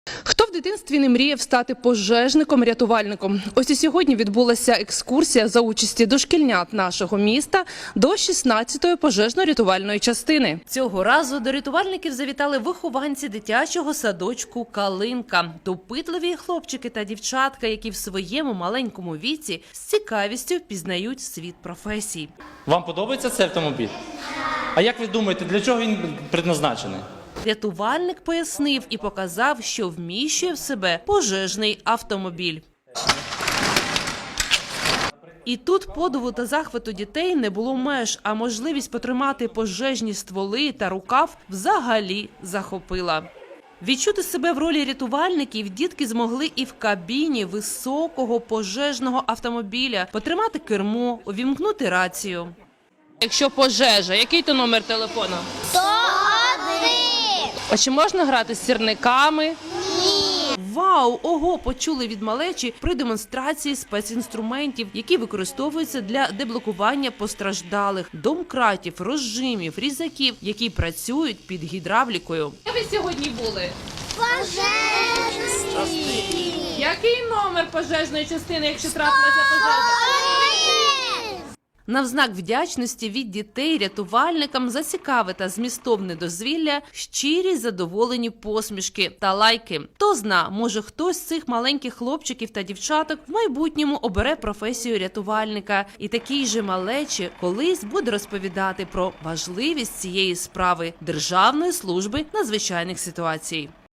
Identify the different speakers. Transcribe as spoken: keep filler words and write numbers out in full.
Speaker 1: Хто в дитинстві не мріяв стати пожежником-рятувальником? Ось і сьогодні відбулася екскурсія за участі дошкільнят нашого міста до шістнадцятої пожежно-рятувальної частини.
Speaker 2: Цього разу до рятувальників завітали вихованці дитячого садочку «Калинка». Допитливі хлопчики та дівчатка, які в своєму маленькому віці з цікавістю пізнають світ професій.
Speaker 3: Вам подобається цей автомобіль? А як ви думаєте, для чого він предназначений?
Speaker 2: Рятувальник пояснив і показав, що вміщує в себе пожежний автомобіль. І тут подиву та захвату дітей не було меж, а можливість потримати пожежні стволи та рукав взагалі захопила. Відчути себе в ролі рятувальників дітки змогли і в кабіні високого пожежного автомобіля, потримати кермо, увімкнути рацію.
Speaker 1: Якщо пожежа, який то номер телефону?
Speaker 4: сто один!
Speaker 1: А чи можна грати з сірниками?
Speaker 2: Вау! Ого! Почули від малечі при демонстрації спецінструментів, які використовуються для деблокування постраждалих, домкратів, розжимів, різаків, які працюють під гідравлікою.
Speaker 1: Де ви сьогодні були?
Speaker 4: Пожежний!
Speaker 1: Який номер пожежної частини, якщо трапилася пожежа?
Speaker 2: На знак вдячності від дітей рятувальникам за цікаве та змістовне дозвілля, щирі задоволені посмішки та лайки. Хто зна, може хтось з цих маленьких хлопчиків та дівчаток в майбутньому обере професію рятувальника. І такий же малечі колись буде розповідати про важливість цієї справи Державної служби надзвичайних ситуацій.